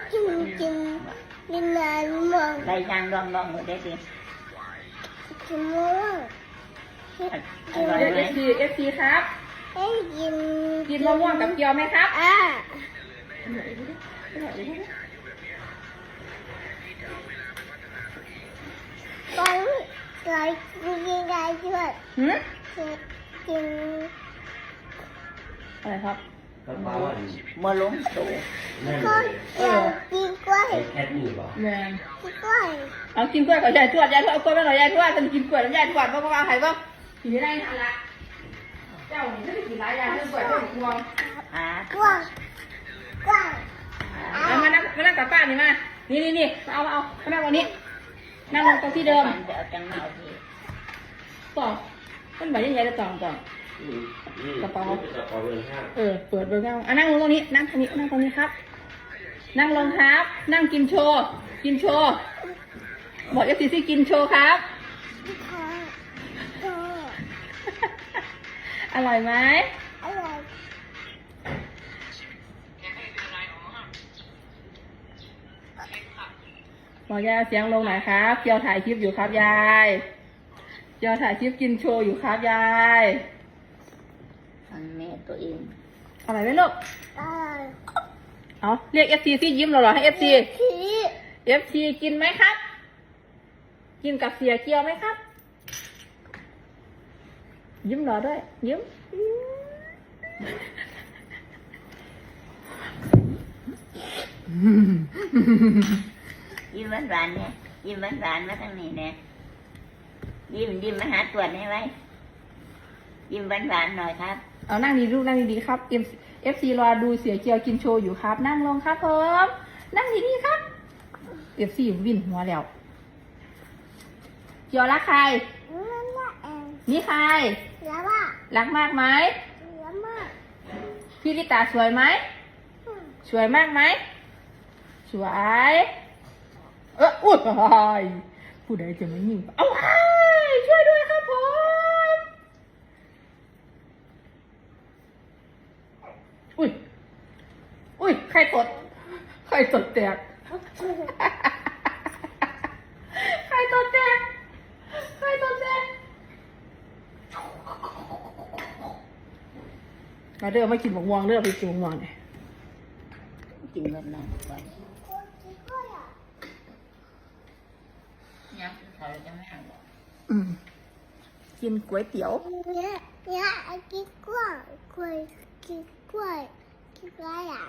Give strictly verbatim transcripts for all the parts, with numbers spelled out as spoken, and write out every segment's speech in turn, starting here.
กินกินกินนานมากได้ยังลองลองหมดได้สิกินม่วงอร่อยเรียกไหมเอฟซีเอฟซีครับให้กินกินมะม่วงกับเกี๊ยวไหมครับอ่ะตอนไหนกินยังไงด้วยหืมกินอะไรครับกระเป๋าอันเมื่อล้มโตนั่นก็เลยอยากกินกล้วยไอ้แคทนี่บ่แมนกินกล้วยเอากินกล้วยกับยายทวดยายทวดเอากล้วยมาหน่อยยายทวดจะกินกล้วยแล้วยายทวดบ้างก็วางไข่บ้างกินไม่ได้ทันละเจ้านี่ไม่ได้กินหลายอย่างเรื่องกล้วยเรื่องพวงอ่ากล้วยกล้วยเอามานั่งมานั่งกับป้านี่มานี่นี่นี่เอาเอามานั่งวันนี้นั่งลงตรงที่เดิมเดี๋ยวจังเอาทีต่อมันแบบยังไงจะต่อต่ออืมอืมกระเป๋ากระเป๋าเงินห้าเออเปิดเบอร์เก้าอ่ะนั่งลงตรงนี้นั่งตรงนี้นั่งตรงนี้ครับ นั่งลงครับ นั่งกินโชว์กินโชว์บอกเอฟซีซีกินโชว์ครับขอโตอร่อยไหมอร่อยบอกยายเสียงลงหน่อยครับเกียวถ่ายคลิปอยู่ครับยายเกียวถ่ายคลิปกินโชว์อยู่ครับยายฟังแม่ตัวเองอร่อยไหมลูกอร่อยเอาเรียกเอฟซีซียิ้มเราเหรอให้เอฟซีขี้เอฟซีกินไหมครับ กินกับเสียเกียวไหมครับ ยิ้มเหรอด้วย ยิ้มยิ้มหวานๆเนี่ยยิ้มหวานๆมาทางนี้เนี่ยยิ้มยิ้มมาหาตรวจให้ไว้ยิ้มหวานๆหน่อยครับเอานั่งดีลูกนั่งดีๆครับเอฟเอฟซีรอดูเสียเกียวกินโชว์อยู่ครับ นั่งลงครับผมนั่งดีๆครับเอฟซีวิ่นหัวแล้วเกียวรักใครนั่นแหละเองนี่ใครแล้วว่ารักมากไหมแล้วมากพี่ลิตาสวยไหมสวยมากไหมสวยเอออุ้ยผู้ใดจะมายิงเอาไว้ช่วยด้วยครับผมอุ้ยอุ้ยใครตดใครตดแตกใครตดแตกใครตดแตกมาเด้อมากินหมกม่วงเด้อไปกินหมกม่วงเนี่ยกินแบบนั้นก่อนยังเขาจะไม่เอาหรอกอืมกินก๋วยเตี๋ยวเนี่ยเนี่ยกินกล้วยกล้วยกินกล้วยกินอะไรอ่ะ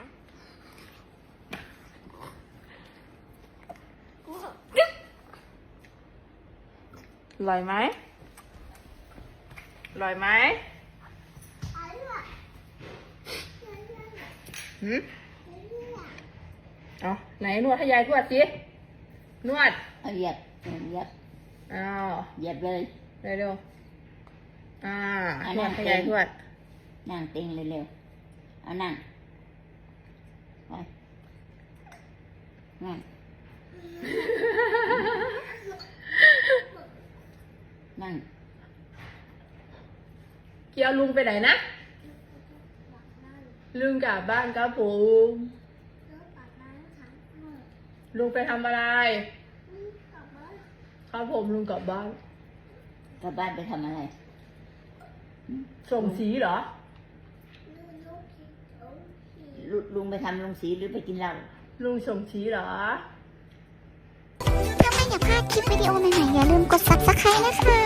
อร่อยไหมอร่อยไหมอร่อยหืมเอาไหนนวดให้ยายทวดสินวดเอาเหยียบเหยียบอ้าวเหยียบเลยเร็วเร็วๆอ่าอันนนั้วดนให้เป็นยายทวดนั่งเต็งเร็วๆเอานั่งไปนั่งนั่งเกียวลุงไปไหนนะลุงกลับบ้านครับผม ลุงไปทำอะไรครับผมลุงกลับบ้านกลับบ้านไปทำอะไรส่งสีเหรอลุลุงไปทำลงสีหรือไปกินเหล้าลุงส่งสีเหรอถ้าไม่อยากพลาดคลิปวิดีโอใหม่ๆอย่าลืมกด ซับสไครบ์ นะคะ